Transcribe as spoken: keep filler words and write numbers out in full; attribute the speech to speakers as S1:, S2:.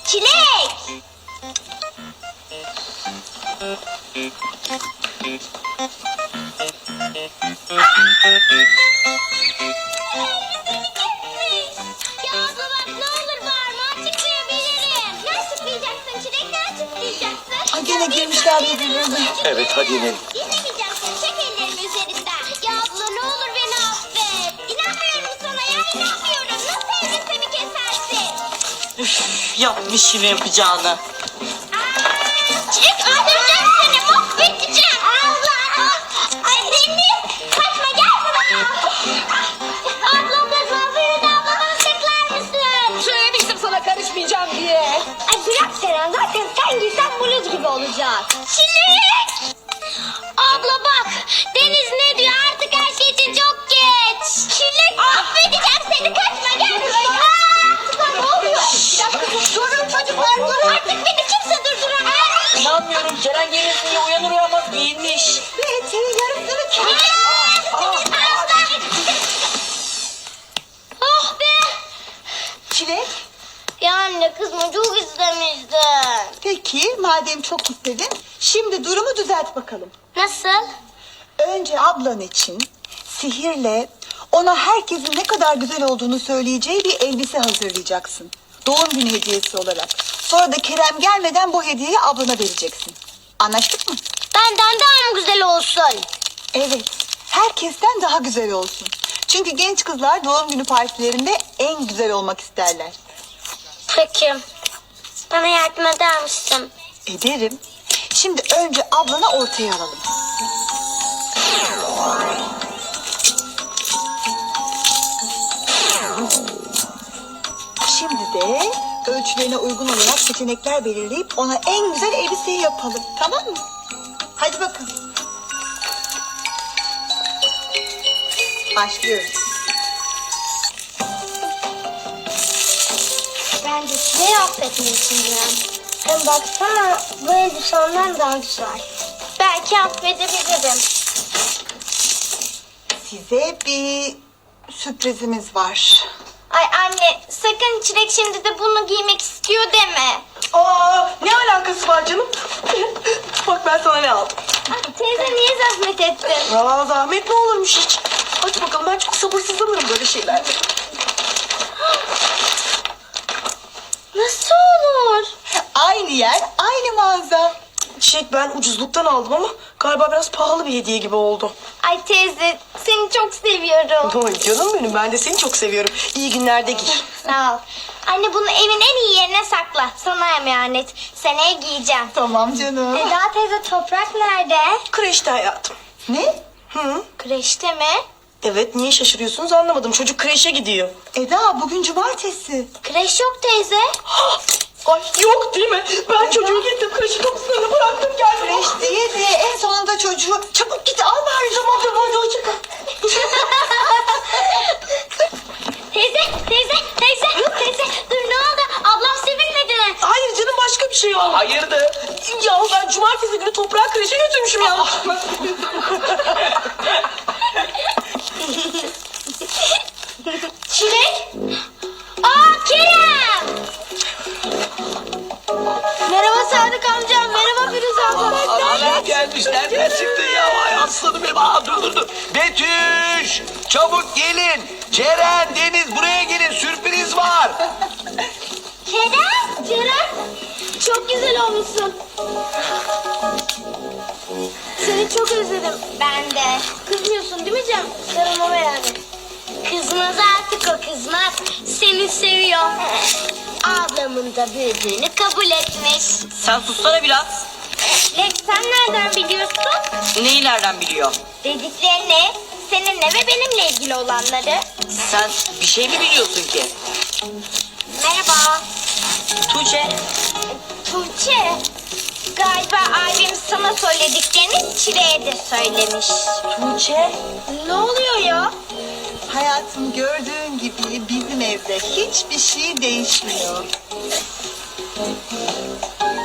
S1: Çilek! Ya abla bak ne olur bağırma açıklayabilirim. Ne açıklayacaksın Çilek, ne açıklayacaksın?
S2: Ay gene girmişler birbirlerine.
S3: Evet, hadi inelim.
S1: İnemeyeceğim seni, çek ellerimi üzerinden. Ya abla ne olur beni affet. İnanmıyorum sana ya, inanmıyorum. Nasıl elbisemi kesersin?
S2: Üf, yapmış yine yapacağını.
S1: Aa, Çilek öldüreceğim seni, mahvedeceğim. Allah! Ay Deniz, kaçma gel buraya. Ablam da kalsaydı da ablamı tıklar mısın?
S4: Söylemiştim sana karışmayacağım diye.
S1: Ay bırak Seren, zaten sen giysen bluz gibi olacak. Çilek! Abla bak, Deniz ne diyor, artık her şey için çok geç. Çilek, affedeceğim seni, kaçma gel buraya. Aa, ne oluyor? Bir dakika, durun çocuklar, durun. Artık beni kimse durduramaz.
S2: İnanmıyorum, Ceren gelirsin diye uyanır uyanmaz giyinmiş.
S1: Ve senin yarısını kes. Oh be!
S2: Çilek.
S1: Ya anne kızma, çok istemiştim.
S5: Peki madem çok istedin, şimdi durumu düzelt bakalım.
S1: Nasıl?
S5: Önce ablan için sihirle ona herkesin ne kadar güzel olduğunu söyleyeceği bir elbise hazırlayacaksın. Doğum günü hediyesi olarak. Sonra da Kerem gelmeden bu hediyeyi ablana vereceksin. Anlaştık mı?
S1: Benden daha mı güzel olsun?
S5: Evet. Herkesten daha güzel olsun. Çünkü genç kızlar doğum günü partilerinde en güzel olmak isterler.
S1: Peki. Bana yardım eder misin?
S5: Ederim. Şimdi önce ablana ortaya alalım. Şimdi de ölçülerine uygun olarak seçenekler belirleyip ona en güzel elbiseyi yapalım. Tamam mı? Hadi bakın. Başlıyoruz.
S1: Bence Çile'yi affetmelisin. Hem baksana bu elbise ondan daha güzel. Belki affedebilirim.
S5: Size bir sürprizimiz var.
S1: Ay anne sakın Çilek şimdi de bunu giymek istiyor deme.
S4: Aa, ne alakası var canım? Bak ben sana ne aldım.
S1: Ay, teyze niye zahmet ettin?
S4: Aa, zahmet ne olurmuş hiç. Aç bakalım, ben çok sabırsızlanırım böyle şeylerde.
S1: Nasıl olur?
S5: Aynı yer, aynı mağaza.
S4: Çiçek, ben ucuzluktan aldım ama galiba biraz pahalı bir hediye gibi oldu.
S1: Ay teyze seni çok seviyorum.
S4: Oy canım benim, ben de seni çok seviyorum. İyi günlerde giy.
S1: Sağ ol. Anne bunu evin en iyi yerine sakla. Sana emanet. Seneye giyeceğim.
S5: Tamam canım.
S1: Eda teyze toprak nerede?
S4: Kreşte hayatım.
S5: Ne?
S4: Hı?
S1: Kreşte mi?
S4: Evet, niye şaşırıyorsunuz anlamadım. Çocuk kreşe gidiyor.
S5: Eda bugün cumartesi.
S1: Kreş yok teyze.
S4: Ay yok değil mi? Ben çocuğu getirdim kreşin kapısına bıraktım geldim.
S5: Beş diye de en sonunda çocuğu çabuk git al bari tamam tamam hadi hoşça kal.
S1: Teyze, teyze, teyze, teyze. Dur ne oldu? Ablam sevinmedi mi?
S4: Hayır canım, başka bir şey oldu.
S3: Hayırdır?
S4: Ya ben cumartesi günü toprağı kreşe götürmüşüm yanlışlıkla.
S1: Çilek. Aa Kerem. Merhaba Sadık amcam. Merhaba Firuze abla.
S3: Aa, gelmiş. Nereden çıktın ya? Ay aslanım benim. Aa, dur dur dur. Betüş! Çabuk gelin. Ceren, Deniz buraya gelin. Sürpriz var.
S1: Kerem. Kerem. Çok güzel olmuşsun. Seni çok özledim. Ben de. Kızmıyorsun değil mi Cem? Sarılmama yani. Kızmaz artık o kızmaz. Seni seviyor. Ablamın da büyüdüğünü kabul etmiş.
S2: Sen sussana biraz.
S1: Lex sen nereden biliyorsun?
S2: Neyi nereden biliyor?
S1: Dediklerini, seninle ve benimle ilgili olanları.
S2: Sen bir şey mi biliyorsun ki?
S1: Merhaba.
S2: Tuğçe.
S1: Tuğçe. Galiba abim sana söylediklerini Çile'ye de söylemiş.
S2: Tuğçe.
S1: Ne oluyor ya?
S5: Hayatım gördüğün gibi bizim evde hiçbir şey değişmiyor.